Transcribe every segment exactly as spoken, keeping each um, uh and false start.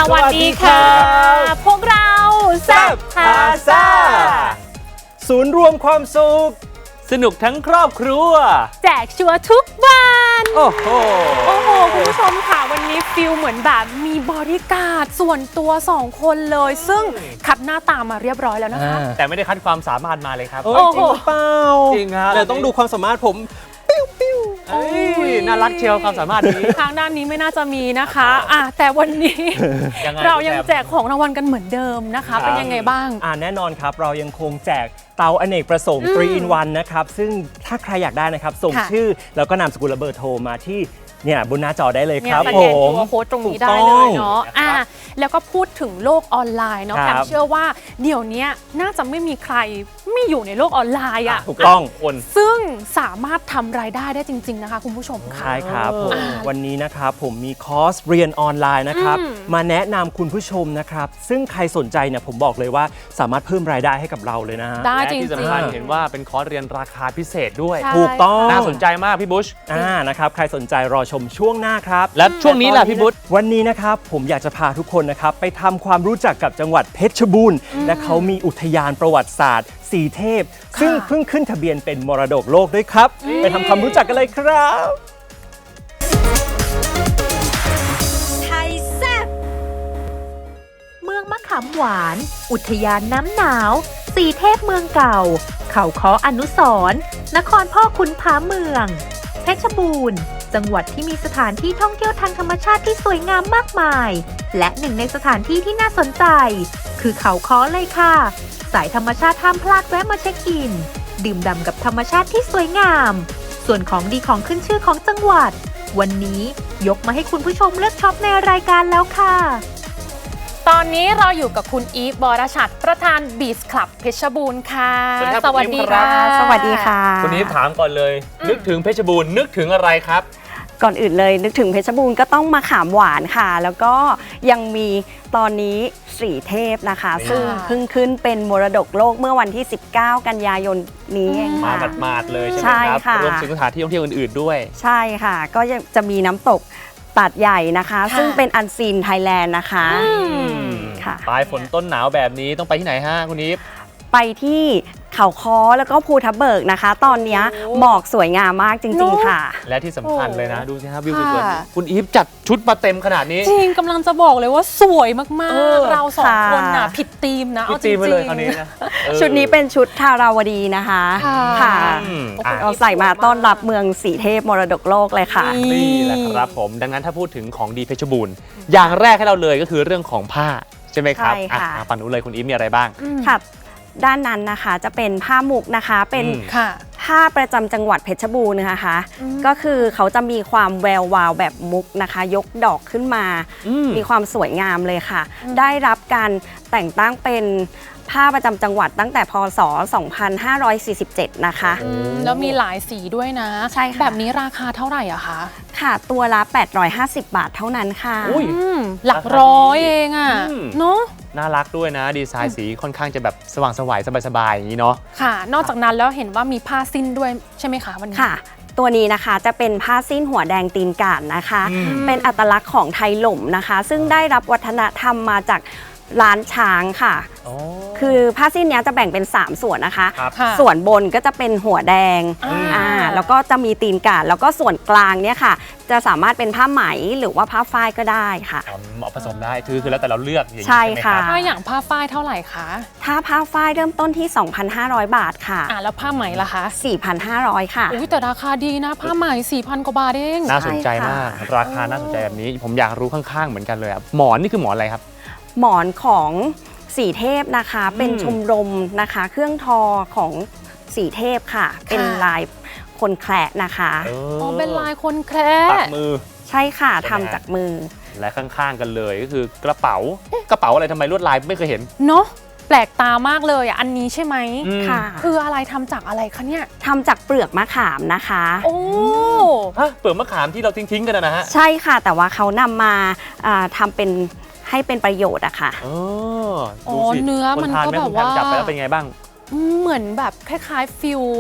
วัสดีค่ะพวกเราแซ่บพาซ่าศูนย์รวมความสุขสนุกทั้งครอบครัวแจกชัวร์ทุกวันโอ้โหโอ้โหคุณผู้ชมค่ะวันนี้ฟิลเหมือนแบบมีบอดี้การ์ดส่วนตัวสองคนเลยซึ่งคัดหน้าตามาเรียบร้อยแล้วนะคะแต่ไม่ได้คัดความสามารถมาเลยครับโอ้จริงหรือเปล่าจริงครับแต่ต้องดูความสามารถผมปิ้วปิ้วน่ารักเชียวความสามารถนี้ทางด้านนี้ไม่น่าจะมีนะคะอ่ะแต่วันนี้เรายังแจกของรางวัลกันเหมือนเดิมนะคะเป็นยังไงบ้างอ่าแน่นอนครับเรายังคงแจกเตาอเนกประสงค์ทรี อิน วัน นะครับซึ่งถ้าใครอยากได้นะครับส่งชื่อแล้วก็นามสกุลและเบอร์โทรมาที่เนี่ยบนหน้าจอได้เลยครับผมโค้ดตรงนี้ได้เลยเนาะอ่าแล้วก็พูดถึงโลกออนไลน์เนาะแอมเชื่อว่าเดี๋ยวนี้น่าจะไม่มีใครไม่อยู่ในโลกออนไลน์อ่ะถูกต้องคนซึ่งสามารถทำรายได้ได้จริงๆนะคะคุณผู้ชมค่ะใช่ครับผมวันนี้นะครับผมมีคอร์สเรียนออนไลน์นะครับมาแนะนำคุณผู้ชมนะครับซึ่งใครสนใจเนี่ยผมบอกเลยว่าสามารถเพิ่มรายได้ให้กับเราเลยนะได้จริงๆที่สำคัญเห็นว่าเป็นคอร์สเรียนราคาพิเศษด้วยถูกต้องน่าสนใจมากพี่บุชอ่านะครับใครสนใจรอชมช่วงหน้าครับและช่วงนี้ล่ะพี่บุชวันนี้นะครับผมอยากจะพาทุกคนนะครับไปทำความรู้จักกับจังหวัดเพชรบูรณ์และเขามีอุทยานประวัติศาสตร์สีเทพซึ่งเพิ่งขึ้นทะเบียนเป็นมรดกโลกด้วยครับไปทำความรู้จักกันเลยครับไทยแซ่บเมืองมะขามหวานอุทยานน้ำหนาวสีเทพเมืองเก่าเขาค้ออนุสรณ์นครพ่อขุนผาเมืองเพชรบูรณ์จังหวัดที่มีสถานที่ท่องเที่ยวทางธรรมชาติที่สวยงามมากมายและหนึ่งในสถานที่ที่น่าสนใจคือเขาค้อเลยค่ะสายธรรมชาติห้ามพลาดแวะมาเช็คอินดื่มด่ำกับธรรมชาติที่สวยงามส่วนของดีของขึ้นชื่อของจังหวัดวันนี้ยกมาให้คุณผู้ชมเลือกช็อปในรายการแล้วค่ะตอนนี้เราอยู่กับคุณอีฟบรชัดประธานบีชคลับเพชรบูรณ์ค่ะสวัสดีค่ะสวัสดีค่ะคุณอีฟถามก่อนเลยนึกถึงเพชรบูรณ์นึกถึงอะไรครับก่อนอื่นเลยนึกถึงเพชรบูรณ์ก็ต้องมาขามหวานค่ะแล้วก็ยังมีตอนนี้สีเทพนะคะซึ่งเพิ่งขึ้นเป็นมรดกโลกเมื่อวันที่สิบเก้ากันยายนนี้เองค่ะมาหมาดๆเลยใช่ไหมครับรวมถึงสถานที่ท่องเที่ยวอื่นๆด้วยใช่ค่ะก็จะมีน้ำตกตัดใหญ่นะคะซึ่งเป็นอันซีนไทยแลนด์นะคะค่ะปลายฝนต้นหนาวแบบนี้ต้องไปที่ไหนฮะคุณอีฟไปที่เขาค้อแล้วก็ภูทับเบิกนะคะตอนนี้หมอกสวยงามมากจริงๆค่ะและที่สำคัญเลยนะดูสิครับวิวสวยๆคุณอีฟจัดชุดมาเต็มขนาดนี้จริงกำลังจะบอกเลยว่าสวยมากๆเราสองคนน่ะผิดธีมนะผิดธีมไปเลยคราวนี้นะชุดนี้เป็นชุดทาราวดีนะคะค่ะเราใส่มาต้อนรับเมืองสีเทพมรดกโลกเลยค่ะนี่แหละครับผมดังนั้นถ้าพูดถึงของดีเพชรบูรณ์อย่างแรกให้เราเลยก็คือเรื่องของผ้าใช่ไหมครับฝั่งนู้นเลยคุณอีฟมีอะไรบ้างค่ะด้านนั้นนะคะจะเป็นผ้ามุกนะคะเป็นผ้าประจำจังหวัดเพชรบูรณ์นะคะก็คือเขาจะมีความแวววาวแบบมุกนะคะยกดอกขึ้นมามีความสวยงามเลยค่ะได้รับการแต่งตั้งเป็นผ้าประจำจังหวัดตั้งแต่พ.ศ. สองพันห้าร้อยสี่สิบเจ็ดนะคะแล้วมีหลายสีด้วยนะใช่ค่ะแบบนี้ราคาเท่าไหร่อะคะค่ะตัวละแปดร้อยห้าสิบบาทเท่านั้นค่ะหลักร้อยเองอะเนาะน่ารักด้วยนะดีไซน์สีค่อนข้างจะแบบสว่างสวยสบายๆอย่างนี้เนาะค่ะนอกจากนั้นแล้วเห็นว่ามีผ้าสิ้นด้วยใช่ไหมคะวันนี้ค่ะตัวนี้นะคะจะเป็นผ้าสิ้นหัวแดงตีนก่านนะคะเป็นอัตลักษณ์ของไทยหล่มนะคะซึ่งได้รับวัฒนธรรมมาจากร้านช้างค่ะคือผ้าสิ้นนี้จะแบ่งเป็นสามส่วนนะคะส่วนบนก็จะเป็นหัวแดงอ่าแล้วก็จะมีตีนก่านแล้วก็ส่วนกลางเนี่ยค่ะจะสามารถเป็นผ้าไหมหรือว่าผ้าฝ้ายก็ได้ค่ะเหมาะผสมได้คือคือแล้วแต่เราเลือกอย่างนี้ใช่ค่ะถ้าอย่างผ้าฝ้ายเท่าไหร่คะถ้าผ้าฝ้ายเริ่มต้นที่ สองพันห้าร้อย บาทค่ะอ่าแล้วผ้าไหมล่ะคะสี่พันห้าร้อย ค่ะอุ้ยแต่ราคาดีนะผ้าไหม สี่พัน กว่าบาทเองน่าสนใจมากราคาน่าสนใจแบบนี้ผมอยากรู้ข้างๆเหมือนกันเลยอ่ะหมอนนี่คือหมอนอะไรครับหมอนของสีเทพนะคะเป็นชมรมนะคะเครื่องทอของสีเทพค่ะเป็นลายคนแคระนะคะอ๋อเป็นลายคนแคระปักมือใช่ค่ะทำจากมือและข้างๆกันเลยก็คือกระเป๋ากระเป๋าอะไรทำไมลวดลายไม่เคยเห็นเนาะแปลกตามากเลยอ่ะอันนี้ใช่ไหมค่ะคืออะไรทำจากอะไรคะเนี่ยทำจากเปลือกมะขามนะคะโอ้ฮะเปลือกมะขามที่เราทิ้งๆกันนะฮะใช่ค่ะแต่ว่าเขานำมาทำเป็นให้เป็นประโยชน์อะค่ะอ๋อเนื้อมันก็แบบว่าจับไปแล้วเป็นไงบ้างเหมือนแบบคล้ายๆฟิล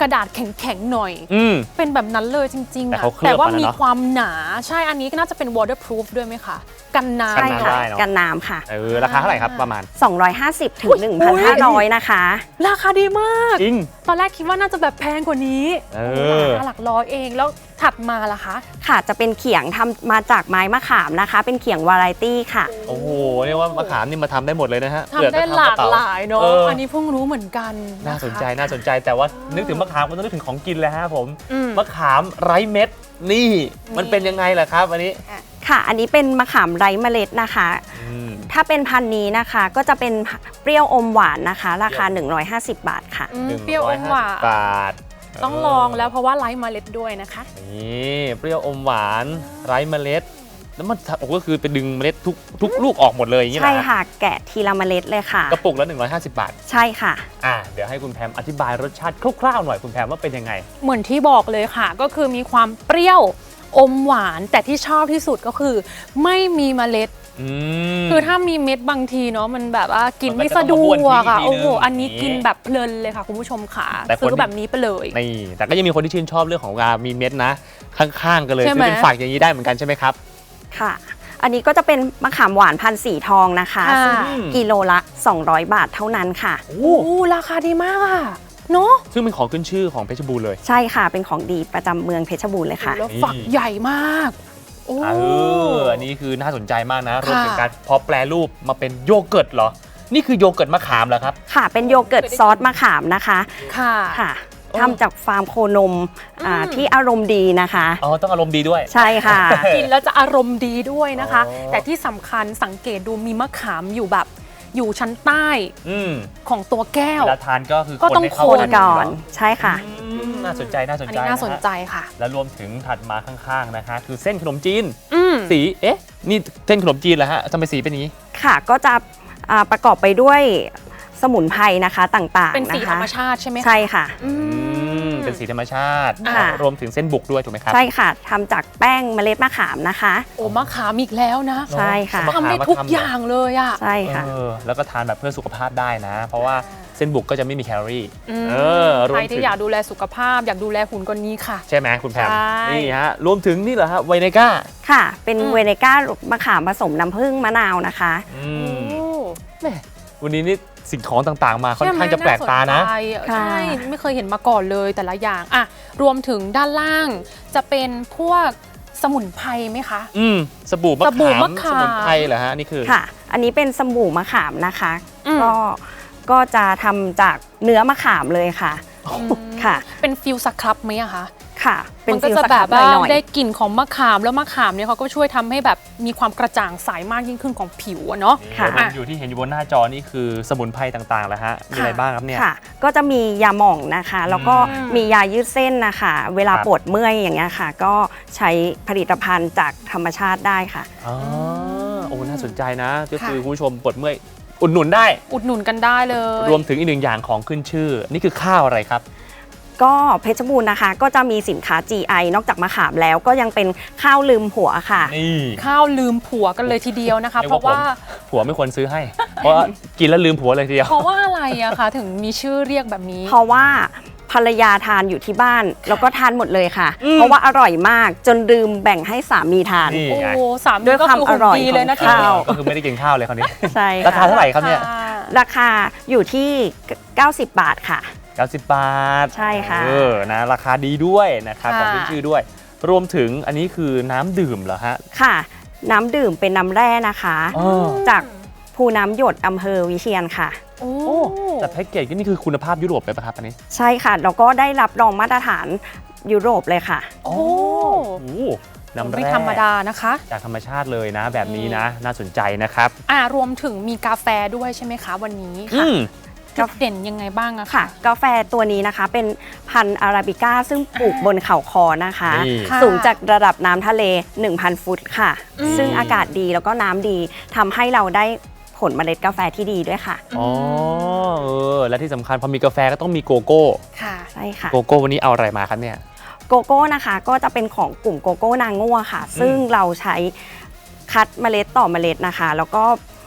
กระดาษแข็งๆหน่อยอืมเป็นแบบนั้นเลยจริงๆแต่อะเขาเคลือบแต่ว่ามาแล้วมีเนอะความหนาใช่อันนี้ก็น่าจะเป็น waterproof ด้วยไหมคะกันน้ำกันใช่น้ำค่ะได้เนอะกันน้ำค่ะเออราคาเท่าไหร่ครับประมาณสองร้อยห้าสิบถึงหนึ่งพันห้าร้อยนะคะราคาดีมากจริงตอนแรกคิดว่าน่าจะแบบแพงกว่านี้เออราคาหลักร้อยเองแล้วถัดมาล่ะคะค่ะจะเป็นเขียงทำมาจากไม้มะขามนะคะ เป็นเขียงวาไรตี้ค่ะโอ้โหเรียกว่ามะขามนี่มาทำได้หมดเลยนะฮะทำได้หลากหลายเนาะเอออันนี้เพิ่งรู้เหมือนกันน่าสนใจะคะน่าสนใจแต่ว่านึกถึงมะขามก็ต้องนึกถึงของกินเลยฮะผมอืมมะขามไร้เม็ดนี่มันเป็นยังไงล่ะครับอันนี้ค่ะ อันนี้เป็นมะขามไร้เมล็ดนะคะอืมถ้าเป็นพันธุ์นี้นะคะก็จะเป็นเปรี้ยวอมหวานนะคะ ราคา หนึ่งร้อยห้าสิบ บาทค่ะอืมเปรี้ยวอมหวานบาทต้องลองแล้วเพราะว่าไร้เมล็ดด้วยนะคะนี่เปรี้ยวอมหวานไร้เมล็ด แล้วมันโอ้ก็คือไปดึงเมล็ดทุกทุกลูกออกหมดเลยอย่างนี้ใช่นะค่ะ แกะทีละเมล็ดเลยค่ะกระปุกละหนึ่งร้อยห้าสิบบาทใช่ค่ะอ่ะเดี๋ยวให้คุณแพมอธิบายรสชาติคร่าวๆหน่อยคุณแพมว่าเป็นยังไงเหมือนที่บอกเลยค่ะ ก็คือมีความเปรี้ยวอมหวาน แต่ที่ชอบที่สุดก็คือ ไม่มีเมล็ดอืมคือถ้ามีเม็ดบางทีเนาะมันแบบว่ากินมันก็ไม่จะสะดต้องมาบ้วนวกอ่ะทิ้งอีกทีโอ้โหนึงอันนี้อย่างนี้กินแบบเพลินเลยค่ะคุณผู้ชมค่ะแต่คนซื้อแบบนี้ไปเลยนี่แต่ก็ยังมีคนที่ชื่นชอบเรื่องของการมีเม็ดนะ ข้างๆกันเลยใช่ซื้ไหมอเป็นฝักอย่างนี้ได้เหมือนกันใช่ไหมครับค่ะ อันนี้ก็จะเป็นมะขามหวานพันสีทองนะคะค่ะซึ่งกิโลละ สองร้อย บาทเท่านั้นค่ะโอ้โอ้ราคาดีมากอะเนาะซึ่งเป็นของขึ้นชื่อของเพชรบูรณ์เลยใช่ค่ะ เป็นของดีประจำเมืองเพชรบูรณ์เลยค่ะแล้วฝักใหญ่มากโอ้เอออันนี้คือน่าสนใจมากนะรวมถึงค่ะการพอแปลรูปมาเป็นโยเกิร์ตเหรอ นี่คือโยเกิร์ตมะขามเหรอครับค่ะ เป็นโยเกิร์ตซอสมะขามนะคะค่ะค่ะโอ้ทำจากฟาร์มโคนมอ่าอืมที่อารมณ์ดีนะคะอ๋อต้องอารมณ์ดีด้วยใช่ค่ะกินแล้วจะอารมณ์ดีด้วยนะคะอ๋อแต่ที่สำคัญสังเกตดูมีมะขามอยู่แบบอยู่ชั้นใต้อืมของตัวแก้วเวลาทานก็คือก็ต้องให้เข้าคนกัก่อนยู่ใช่ค่ะอืมน่าสนใจน่าสนอันใจนี้น่าสนใจะฮะค่ะแล้วรวมถึงถัดมาข้างๆนะคะคือเส้นขนมจีนอืมสีเอ๊ะนี่เส้นขนมจีนเหรอฮะทำไมสีเป็นอย่างนี้ค่ะ ก็จะอ่าประกอบไปด้วยสมุนไพรนะคะต่างๆเป็นสีนะคะธรรมชาติใช่ไหมคะใช่ค่ะอือืมมเป็นสีธรรมชาติค่ะรวมถึงเส้นบุกด้วยถูกไหมครับใช่ค่ะทำจากแป้งเมล็ดมะขามนะคะโอ้มะขามอีกแล้วนะใช่ค่ะมะขามทำได้มาทุกทำเหรอออย่างเลยอ่ะใช่ค่ะเออแล้วก็ทานแบบเพื่อสุขภาพได้นะ เพราะว่าเส้นบุกก็จะไม่มีแคลอรี่อืมเออรวใคมรถึที่งอยากดูแลสุขภาพ อยากดูแลหุ่นก็นี้ค่ะใช่ไหมคุณแพมใช่นี่ฮะรวมถึงนี่เหรอฮะไวเนก้าค่ะ เป็นอืมเวเนก้ามะขามผสมน้ำผึ้งมะนาวนะคะอืโอ้มแม่วันนี้นี่สิ่งของต่างๆ มาค่อนข้างจะแปลกตานะใช่ไหมค่ะใช่ไม่เคยเห็นมาก่อนเลยแต่ละอย่างอ่ะรวมถึงด้านล่างจะเป็นพวกสมุนไพรไหมคะอืมสบู่มะสบู่ขามมะขามสมุนไพรเหรอฮะนี่คือค่ะ อันนี้เป็นสบู่มะขามนะคะอืมก็ก็จะทำจากเนื้อมะขามเลยค่ะอืมค่ะเป็นฟิลสครับไหมอะคะค่ะ เป็นมันก็ฟิลจะสแบครับ บหว่าน่อยได้กลิ่นของมะขามแล้วมะขามเนี่ยเขาก็ช่วยทำให้แบบมีความกระจ่างใสมากยิ่งขึ้นของผิวอะเนาะนี่ค่ะรวมอยู่ที่เห็นอยู่บนหน้าจอนี่คือสมุนไพรต่างๆแล้วฮะมีอะไรบ้างครับเนี่ยค่ะ ก็จะมียาหม่องนะคะ แล้วก็อืมมียายืดเส้นนะคะ เวลาครับปวดเมื่อยอย่างเงี้ยค่ะ ก็ใช้ผลิตภัณฑ์จากธรรมชาติได้ค่ะอ๋อโอ้น่าสนใจนะ ก็คือค่ะคุณผู้ชมปวดเมื่อยอุดหนุนได้อุดหนุนกันได้เลยรวมถึงอีกหนึ่งอย่างของขึ้นชื่อ นี่คือข้าวอะไรครับก็เพชรบูรณ์นะคะ ก็จะมีสินค้า จี ไอ นอกจากมะขามแล้วก็ยังเป็นข้าวลืมหัวค่ะนี่ข้าวลืมผัวกันเลยทีเดียวนะคะเรียเพกว่าราะว่าผัวไม่ควรซื้อให้ เพราะว่ากินแล้วลืมผัวเลยทีเดียวเพราะว่าอะไรอะคะถึงมีชื่อเรียกแบบนี้เพราะว่าภรรยาทานอยู่ที่บ้าน แล้วก็ทานหมดเลยค่ะ เพราะว่าอร่อยมากจนลืมแบ่งให้สามีทานนี่โอ้ไงสามด้วยความก็อร่อยดีเลยนะของทีข้าวก็คือไม่ได้กินข้าวเลยคราวนี้ใช่ราคาเท่าไหร่ครับเนี่ยราคาอยู่ที่ เก้าสิบบาทค่ะเก้าสิบบาทใช่ค่ะเออนะราคาดีด้วยนะครับค่ะของขึ้นชื่อด้วย รวมถึงอันนี้คือน้ำดื่มเหรอฮะค่ะ น้ำดื่มเป็นน้ำแร่นะคะอ๋อจากภูน้ำหยดอำเภอวิเชียรค่ะโอ้โอ้แต่แพ็กเกจก็นี่คือคุณภาพยุโรปเลยป่ะครับอันนี้ใช่ค่ะแล้วก็ได้รับรองมาตรฐานยุโรปเลยค่ะโอ้โอ้น้ำไม่แร่ธรรมดานะคะจากธรรมชาติเลยนะ แบบนี้นะ น่าสนใจนะครับอ่ารวมถึงมีกาแฟด้วยใช่ไหมคะวันนี้อืมจุดเด่นยังไงบ้างอะค่ะคะกาแฟตัวนี้นะคะเป็นพันธุ์อาราบิก้าซึ่งปลูกบนเขาคอนะคะนี่ค่ะสูงจากระดับน้ำทะเล หนึ่งพัน ฟุตค่ะอืมซึ่งอากาศดีแล้วก็น้ำดีทำให้เราได้ผลเมล็ดกาแฟที่ดีด้วยค่ะอ๋อเออและที่สำคัญพอมีกาแฟก็ต้องมีโกโก้ค่ะใช่ค่ะโกโก้วันนี้เอาอะไรมาครับเนี่ยโกโก้นะคะก็จะเป็นของกลุ่มโกโก้นางงั่วค่ะ ซึ่งเราใช้คัดเมล็ดต่อเมล็ดนะคะ แล้วก็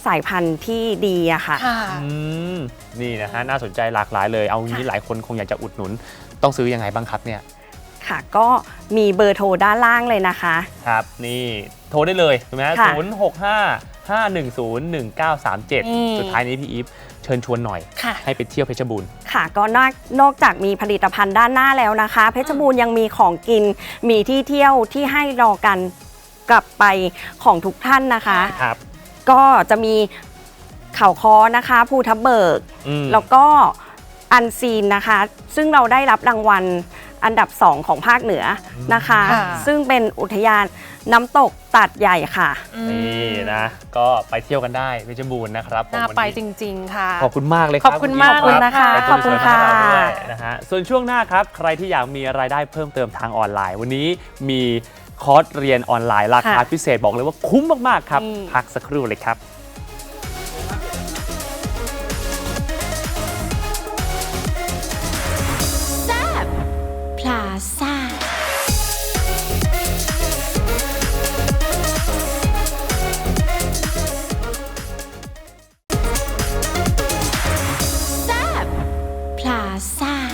สายพันธุ์ที่ดีอะค่ะค่ะอืมนี่นะฮะน่าสนใจหลากหลายเลยเอางี้หลายคนคงอยากจะอุดหนุนต้องซื้อยังไงบ้างครับเนี่ยค่ะ ก็มีเบอร์โทรด้านล่างเลยนะคะครับนี่โทรได้เลยถูกไหมฮะค่ะศูนย์หกห้าห้าหนึ่งศูนย์หนึ่งเก้าสามเจ็ดอืมสุดท้ายนี้พี่อีฟเชิญชวนหน่อยค่ะให้ไปเที่ยวเพชรบูรณ์ค่ะก็นอกนอกจากมีผลิตภัณฑ์ด้านหน้าแล้วนะคะ เพชรบูรณ์ยังมีของกินมีที่เที่ยวที่ให้รอกันกลับไปของทุกท่านนะคะครับก็จะมีเขาคอนะคะภูทับเบิกอืมแล้วก็อันซีนนะคะ ซึ่งเราได้รับรางวัลอันดับสองของภาคเหนือนะคะค่ะซึ่งเป็นอุทยานน้ำตกตัดใหญ่ค่ะนี่นะก็ไปเที่ยวกันได้เพชรบูรณ์นะครับผมน่าวันไปนี้จริง ๆ ค่ะขอบคุณมากเลยครับขอบคุณมากขอบณนะคะรับขอบคุณค่ะไปเจอกันด้วยนะฮะส่วนช่วงหน้าครับใครที่อยากมีรายได้เพิ่มเติมทางออนไลน์ วันนี้มีคอร์สเรียนออนไลน์ราคาค่ะพิเศษบอกเลยว่าคุ้มมากๆครับอืมพักสักครู่เลยครับพลาซ่า แซบพลาซ่า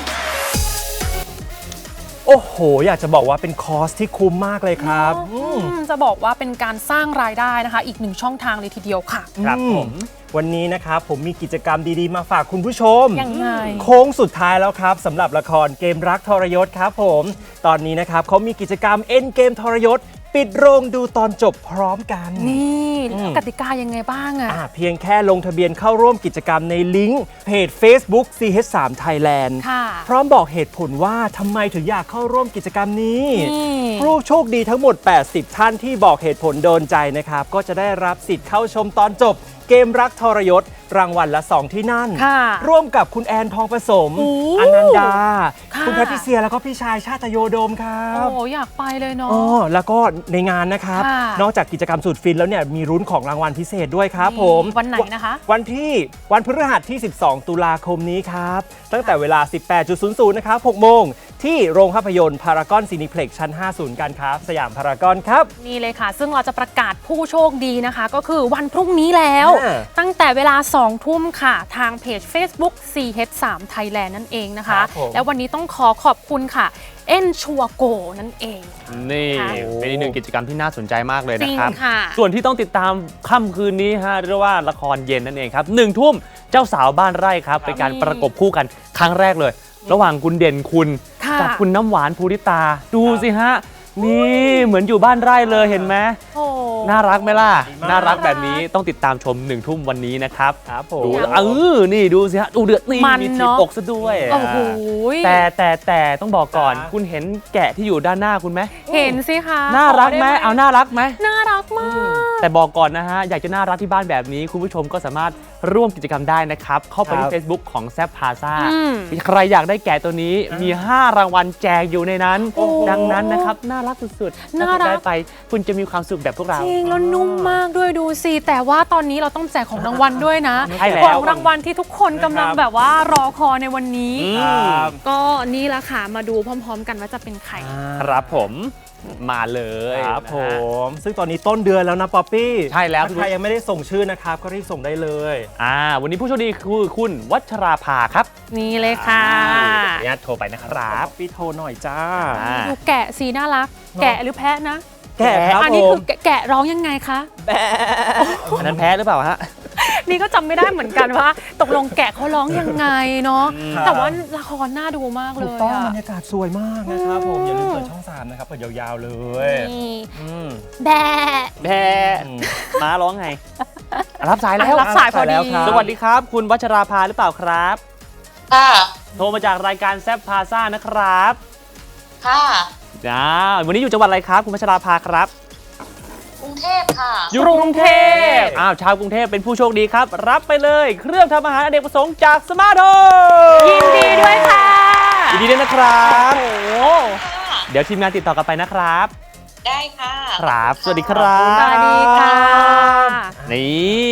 โอ้โห อยากจะบอกว่าเป็นคอร์สที่คุ้มมากเลยครับอืมอืมจะบอกว่าเป็นการสร้างรายได้นะคะ อีกหนึ่งช่องทางเลยทีเดียวค่ะครับอืผมวันนี้นะครับผมมีกิจกรรมดีๆ มาฝากคุณผู้ชมยังไงโค้งสุดท้ายแล้วครับสำหรับละครเกมรักทรยศครับผม ตอนนี้นะครับเขามีกิจกรรมเอ็นเกมทรยศ ปิดโรงดูตอนจบพร้อมกันนี่อืมกติกายังไงบ้างอะอ่าเพียงแค่ลงทะเบียนเข้าร่วมกิจกรรมในลิงก์เพจ Facebook ซี เอช ทรี Thailand ค่ะพร้อมบอกเหตุผลว่าทำไมถึงอยากเข้าร่วมกิจกรรมนี้นี่ผู้โชคดีทั้งหมด แปดสิบ ท่านที่บอกเหตุผลโดนใจนะครับ ก็จะได้รับสิทธิ์เข้าชมตอนจบ เกมรักทรยศ รางวัลละ สอง ที่นั่นค่ะร่วมกับคุณแอนทองผสมโอ้อนันดาค่ะคุณแพทริเซียแล้วก็พี่ชายชาตโยโดมครับโอ้อยากไปเลยเนาะอ๋อแล้วก็ในงานนะครับค่ะนอกจากกิจกรรมสุดฟินแล้วเนี่ยมีรุ้นของรางวัลพิเศษด้วยครับผมวันไหนนะคะวันที่วันพฤหัสที่ สิบสอง ตุลาคมนี้ครับ ตั้งแต่เวลา สิบแปดนาฬิกา นะครับ หกโมง ที่โรงภาพยนตร์พารากอนซีนิเพล็กซ์ชั้น ห้าศูนย์ การค้าสยามพารากอนครับนี่เลยค่ะ ซึ่งเราจะประกาศผู้โชคดีนะคะ ก็คือวันพรุ่งนี้แล้วอ่าตั้งแต่เวลาสองทุ่มค่ะ ทางเพจ Facebook ซี เอช ทรี Thailand นั่นเองนะคะครับผมแล้ววันนี้ต้องขอขอบคุณค่ะ เอ็นชัวโกนั่นเองนี่ค่ะเป็นอีกหนึ่งกิจกรรมที่น่าสนใจมากเลยจรินะงครับค่ะส่วนที่ต้องติดตามค่ำคืนนี้ฮะเรียกว่าละครเย็นนั่นเองครับหนึ่งทุ่มเจ้าสาวบ้านไร่ครับเป็นการประกบคู่กันครั้งแรกเลย ระหว่างคุณเด่นคุณค่ะกับคุณน้ำหวานภูริตา ดูสิฮะ นี่เหมือนอยู่บ้านไร่เลยเห็นไหมโอ้น่ารักไหมล่ะดีมากน่ารักแบบนี้ต้องติดตามชมหนึ่งทุ่มวันนี้นะครับครับผมดูแล้วเออนี่ดูสิฮะดูเดือดนี่มันมีถีเนบอะอกซะด้วยโอ้โหแต่แต่แต่ต้องบอกก่อนจ้าคุณเห็นแกะที่อยู่ด้านหน้าคุณไหมเห็นสิคะน่ารักไหมขด้เอาน่ารักไหมน่ารักมากแต่บอกก่อนนะฮะ อยากจะน่ารักที่บ้านแบบนี้ คุณผู้ชมก็สามารถร่วมกิจกรรมได้นะครับ เข้าไปครัที่บ Facebook ของแซ p พาซ่าอืมใครอยากได้แกะตัวนี้มี ห้ารางวัลแจกอยู่ในนั้นโอ้ดังนั้นนะครับ น่ารักสุดๆน่ารักถ้คุณได้ไปคุณจะมีความสุขแบบพวกเราจริงแล้วนุ่มมากด้วยดูสิ แต่ว่าตอนนี้เราต้องแจกของรางวัลด้วยนะใช่แล้วของรางวัลที่ทุกคนกำลังแบบว่ารอคอยในวันนี้อืมครับก็นี่ละค่ะ มาดูพร้อม ๆ กันว่าจะเป็นใครครับผมมาเลยครับนะผฮะม ซึ่งตอนนี้ต้นเดือนแล้วนะป๊อปปี้ใช่แล้วถ้าใครยังไม่ได้ส่งชื่อนะครับ ก็รีบส่งได้เลยอ่าวันนี้ผู้โชคดีคือคุณวัชราภาครับนี่เลยค่ะขออนุญาตโทรไปนะครับป๊อปปี้โทรหน่อยจ้าอ่าดูแกะสีน่ารัก แกะหรือแพะนะแกะครับอันนี้ผคืมอแกะแกะร้องยังไงคะอันนั้นแพ้หรือเปล่าฮะนี่ก็จำไม่ได้เหมือนกันว่า ตกลงแกะเขาร้องยังไงเนาะครับแต่ว่าละครน่าดูมากเลถูกยต้องอะบรรยากาศสวยมากนะครับผม อย่าลืมเปิดช่องสามนะครับ เปิดยาวๆเลยนี่อืมแบะแพ้ม้าร้องไง รับสายแล้วรับสายพอดีรับสายแล้วครับสวัสดีครับ คุณวัชราภาหรือเปล่าครับค่ะโทรมาจากรายการแซ p พาซ่านะครับค่ะอ่าวันนี้อยู่จังหวัดอะไรครับ คุณวัชราภาครับกรุงเทพค่ะอยู่กรุงเทพอ้าวชาวกรุงเทพเป็นผู้โชคดีครับ รับไปเลย เครื่องทำอาหารอเนกประสงค์จากสมาร์ทโฮมยินดีด้วยค่ะยินดีด้วยนะครับโอ้โหค่ะเดี๋ยวทีมงานติดต่อกลับไปนะครับได้ค่ะครับ สวัสดีครับสวัสดีค่ะนี่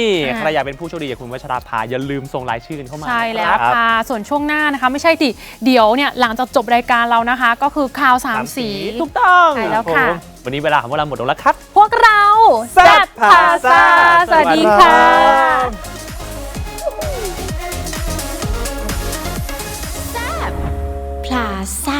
อ่าใครอยากเป็นผู้โชคดีอย่างคุณวัชราภาอย่าลืมส่งรายชื่อกันเข้ามาใช่แล้วนะครับค่ะ ส่วนช่วงหน้านะคะ ไม่ใช่ดิเดี๋ยวเนี่ยหลังจากจบรายการเรานะคะ ก็คือข่าวสามสีถูกต้องใช่แล้วค่ะผมวันนี้เวลาของพวกเราหมดลงแล้วครับพวกเราแซ่บพาซ่าสวัสดีค่ะซ่า